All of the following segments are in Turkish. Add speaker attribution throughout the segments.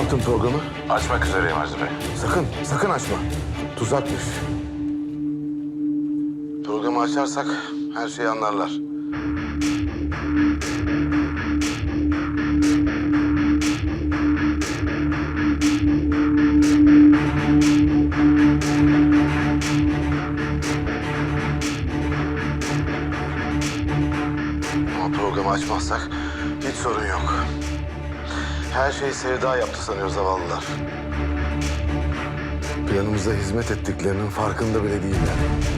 Speaker 1: yaptın programı?
Speaker 2: Açmak üzereyim Aziz Bey.
Speaker 1: Sakın açma. Tuzakmış. Programı açarsak her şeyi anlarlar. Ama programı açmazsak hiç sorun yok. Her şeyi Sevda yaptı sanıyor zavallılar. Planımıza hizmet ettiklerinin farkında bile değiller.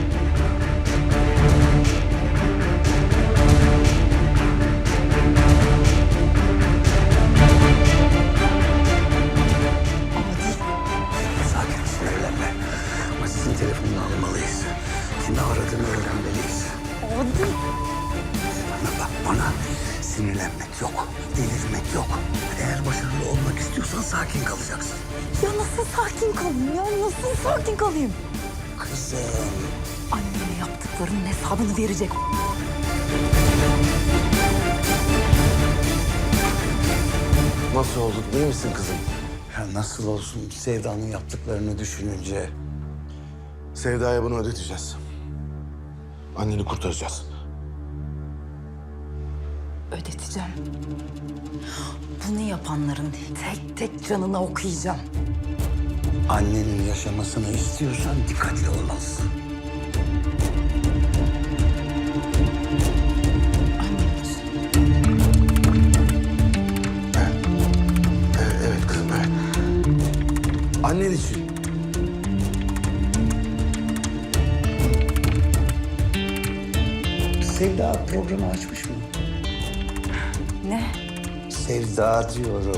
Speaker 3: Sakin, sinirlenme. Aziz'in telefonunu almalıyız. Kimi aradığını öğrenmeliyiz.
Speaker 4: Adil.
Speaker 3: Bana bak bana. Sinirlenmek yok, delirmek yok. Eğer başarılı olmak istiyorsan sakin kalacaksın.
Speaker 4: Ya nasıl sakin kalayım ya? Nasıl sakin kalayım?
Speaker 3: Kızım.
Speaker 4: Anneme yaptıklarının hesabını verecek.
Speaker 1: Nasıl olduk? İyi misin kızım?
Speaker 3: Ya nasıl olsun Sevda'nın yaptıklarını düşününce.
Speaker 1: Sevda'ya bunu ödeteceğiz. Anneni kurtaracağız.
Speaker 4: Ödeteceğim. Bunu yapanların tek tek canına okuyacağım.
Speaker 3: Annenin yaşamasını istiyorsan dikkatli olmalısın.
Speaker 4: Annem için.
Speaker 1: Evet kızım, evet. Annen için.
Speaker 3: Sevda programı açmış mı?
Speaker 4: Ne?
Speaker 3: Sevda diyorum.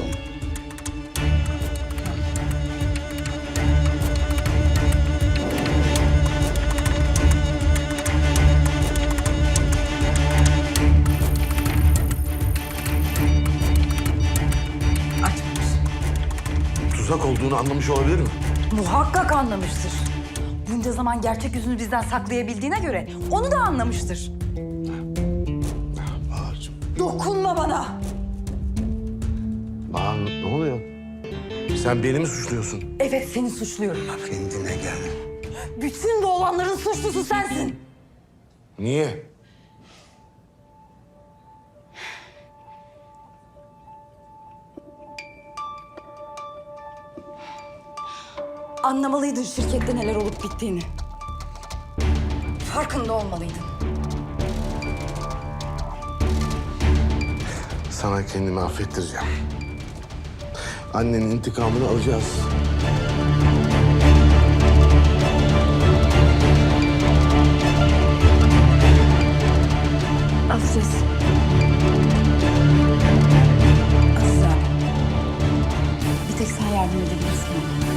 Speaker 4: Açmamış.
Speaker 1: Tuzak olduğunu anlamış olabilir mi?
Speaker 4: Muhakkak anlamıştır. Bunca zaman gerçek yüzünü bizden saklayabildiğine göre onu da anlamıştır.
Speaker 1: Bahar'cığım.
Speaker 4: Dokunma bana.
Speaker 1: Bahar ne oluyor? Sen beni mi suçluyorsun?
Speaker 4: Evet, seni suçluyorum.
Speaker 3: Kendine gel.
Speaker 4: Bütün bu olanların suçlusu sensin.
Speaker 1: Niye?
Speaker 4: Anlamalıydın şirkette neler olup bittiğini. Farkında olmalıydın.
Speaker 1: Sana kendimi affettireceğim. Annenin intikamını alacağız.
Speaker 4: Alacağız. Aziz abi. Bir tek sen yardım edebilirsin bana.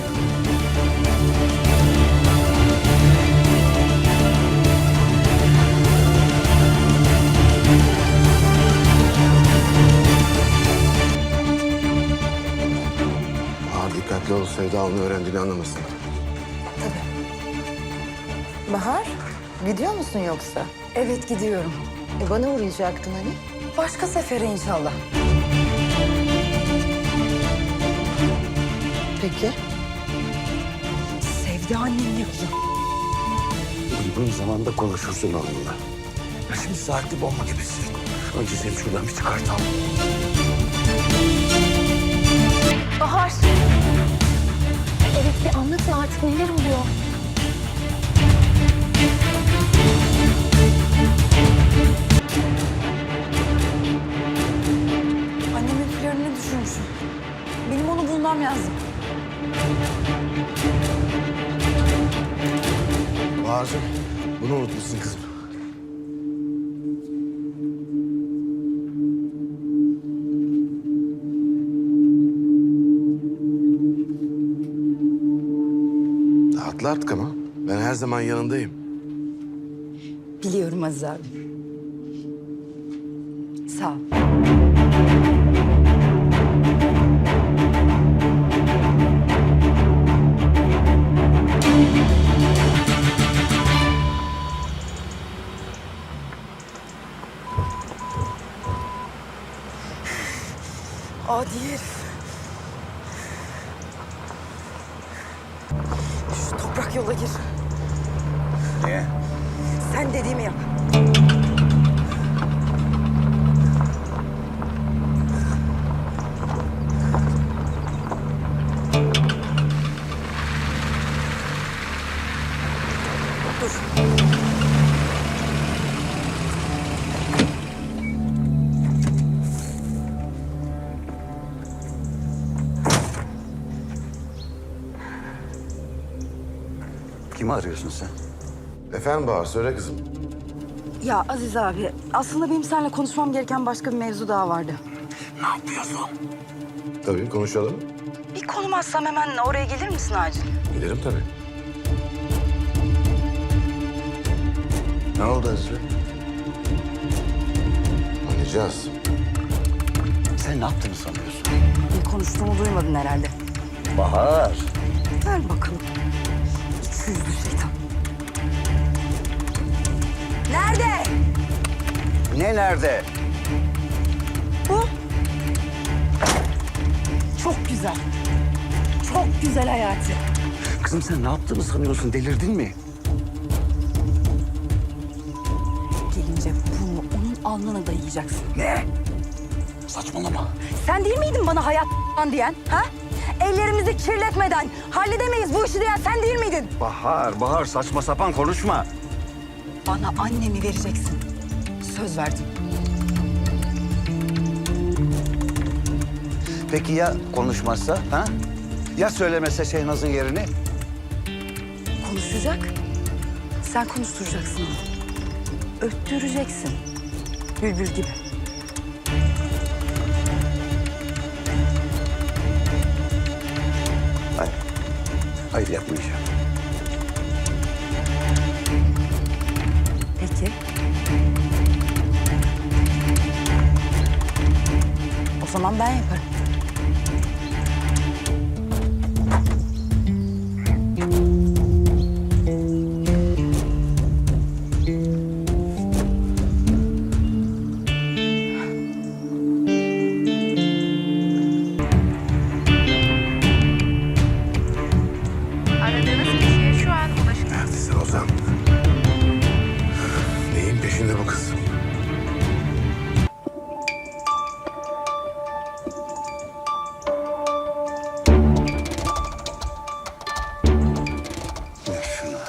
Speaker 1: Bahar dikkatli ol, Sevda onu öğrendiğini anlamasın.
Speaker 4: Tabii.
Speaker 5: Bahar, gidiyor musun yoksa?
Speaker 4: Evet, gidiyorum.
Speaker 5: Bana uğrayacaktın hani.
Speaker 4: Başka sefere inşallah.
Speaker 5: Peki.
Speaker 4: Sevda annemi yapacağım.
Speaker 3: Uygun zamanda konuşursun onunla. Ya şimdi saatli bomba gibisin. Önce seni şuradan bir çıkartalım.
Speaker 5: Bahar. Evet, bir anlatın artık neler oluyor?
Speaker 4: Annemin planını düşürmüşüm. Benim onu bulmam lazım.
Speaker 1: Bahar'cığım bunu unutmuşsun kızım. Rahatla artık ama. Ben her zaman yanındayım.
Speaker 4: Biliyorum Aziz abi. Sağ ol. Adi herif. yola gir.
Speaker 3: Niye?
Speaker 4: Sen dediğimi yap. Dur.
Speaker 3: Kimi arıyorsun sen?
Speaker 1: Efendim Bahar, söyle kızım.
Speaker 4: Ya Aziz abi, aslında benim seninle konuşmam gereken başka bir mevzu daha vardı.
Speaker 3: Ne yapıyorsun?
Speaker 1: Tabii, konuşalım.
Speaker 4: Bir konum atsam hemen oraya gelir misin acil?
Speaker 1: Gelirim tabii.
Speaker 3: Ne oldu Azri?
Speaker 1: Anlayacağız.
Speaker 3: Sen ne yaptığını sanıyorsun?
Speaker 4: Ne konuştuğumu duymadın herhalde.
Speaker 3: Bahar.
Speaker 4: Ver bakalım. İki yüzlü şeytan. Nerede?
Speaker 3: Ne nerede?
Speaker 4: Bu. Çok güzel. Çok güzel Hayati.
Speaker 3: Kızım sen ne yaptığını sanıyorsun? Delirdin mi?
Speaker 4: Gelince bunu onun alnına dayayacaksın.
Speaker 3: Ne? Saçmalama.
Speaker 4: Sen değil miydin bana hayat diyen? Ha? Ellerimizi kirletmeden halledemeyiz bu işi diyen sen değil miydin?
Speaker 3: Bahar saçma sapan konuşma.
Speaker 4: Bana annemi vereceksin. Söz verdim.
Speaker 3: Peki ya konuşmazsa? Ha? Ya söylemese Şehnaz'ın yerini?
Speaker 4: Konuşacak. Sen konuşturacaksın onu. Öttüreceksin. Bülbül gibi.
Speaker 3: Hayır. Hayır yapmayacağım.
Speaker 4: Peki. O zaman ben yaparım.
Speaker 2: Aradığınız kişiye şu an ulaşın.
Speaker 1: Neredesin Ozan? Neyin peşinde bu kız?
Speaker 3: Ver şunu.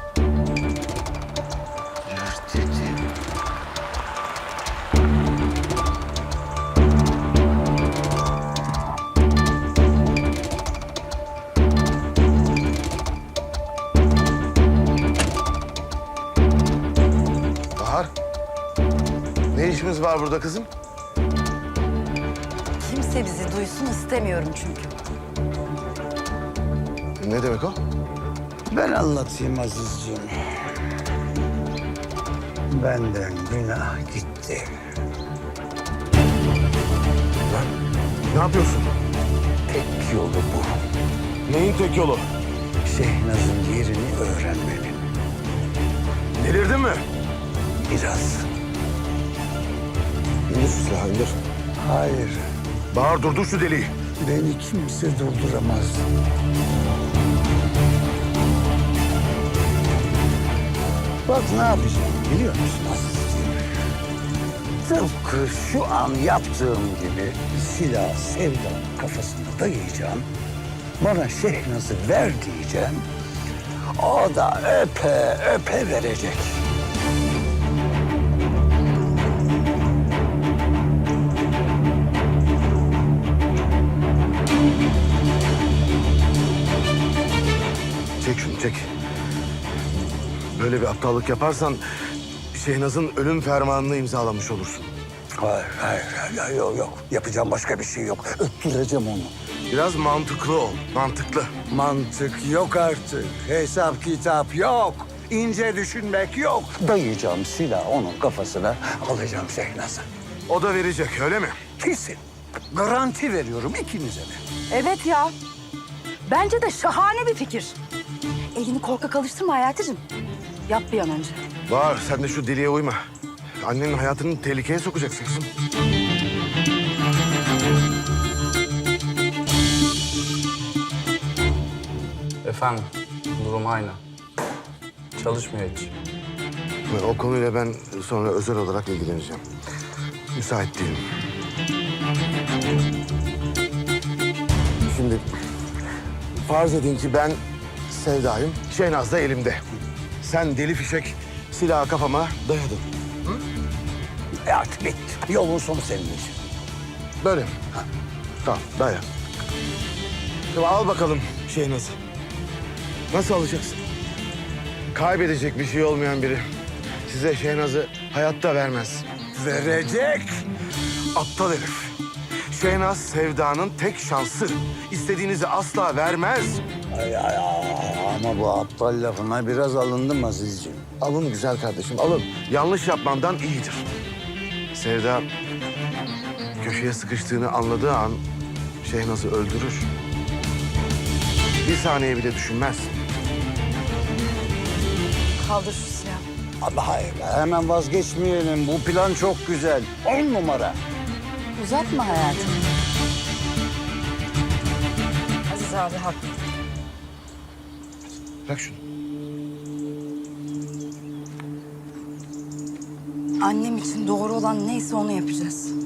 Speaker 3: Ver dedim.
Speaker 1: Bahar, ne işimiz var burada kızım?
Speaker 4: Kimse bizi duysun istemiyorum çünkü.
Speaker 1: Ne demek o?
Speaker 3: Ben anlatayım Azizciğim. Benden günah gitti.
Speaker 1: Ne yapıyorsun?
Speaker 3: Tek yolu bu.
Speaker 1: Neyin tek yolu?
Speaker 3: Şehnaz'ın yerini öğrenmenin.
Speaker 1: Delirdin mi?
Speaker 3: Biraz.
Speaker 1: İndir şu silahı, indir.
Speaker 3: Hayır.
Speaker 1: Bahar, durdur şu deliği.
Speaker 3: Beni kimse durduramaz. Bak ne yapacağım biliyor musun Azizciğim? Tıpkı şu an yaptığım gibi silah Sevda'nın kafasına dayayacağım. Bana Şehnaz'ı ver diyeceğim. O da öpe öpe verecek.
Speaker 1: Çek şunu, çek. Böyle bir aptallık yaparsan Şehnaz'ın ölüm fermanını imzalamış olursun.
Speaker 3: Hayır, yok. Yapacağım başka bir şey yok. Öttüreceğim onu.
Speaker 1: Biraz mantıklı ol, mantıklı.
Speaker 3: Mantık yok artık. Hesap kitap yok. İnce düşünmek yok. Dayayacağım silah onun kafasına. Alacağım Şehnaz'ı.
Speaker 1: O da verecek, öyle mi?
Speaker 3: Kesin. Garanti veriyorum ikinize de.
Speaker 4: Evet ya. Bence de şahane bir fikir. Elini korkak alıştırma Hayati'cim. Yap bir an önce.
Speaker 1: Bahar, sen de şu deliğe uyma. Annenin hayatını tehlikeye sokacaksın kızım.
Speaker 6: Efendim, durum aynı. Çalışmıyor hiç.
Speaker 7: O konuyla ben sonra özel olarak ilgileneceğim. Müsait değilim. Şimdi farz edin ki ben Sevda'yım, Şehnaz da elimde. Sen deli fişek silahı kafama dayadın.
Speaker 3: Artık bitti. Yolun sonu senin için.
Speaker 7: Böyle mi? Tamam, daya. Şimdi al bakalım Şehnaz'ı. Nasıl alacaksın? Kaybedecek bir şey olmayan biri size Şehnaz'ı hayatta vermez.
Speaker 3: Verecek.
Speaker 7: Aptal herif. Şehnaz Sevda'nın tek şansı. İstediğinizi asla vermez.
Speaker 3: Ay, ama bu aptal lafına biraz alındım Azizciğim.
Speaker 7: Alın güzel kardeşim, alın. Yanlış yapmandan iyidir. Sevda köşeye sıkıştığını anladığı an Şehnaz'ı öldürür. Bir saniye bile düşünmez.
Speaker 4: Kaldır şu silahı.
Speaker 3: Ama hayır, hemen vazgeçmeyelim. Bu plan çok güzel. 10 numara.
Speaker 4: Uzatma hayatım. Aziz abi haklı.
Speaker 7: Bırak şunu.
Speaker 4: Annem için doğru olan neyse onu yapacağız.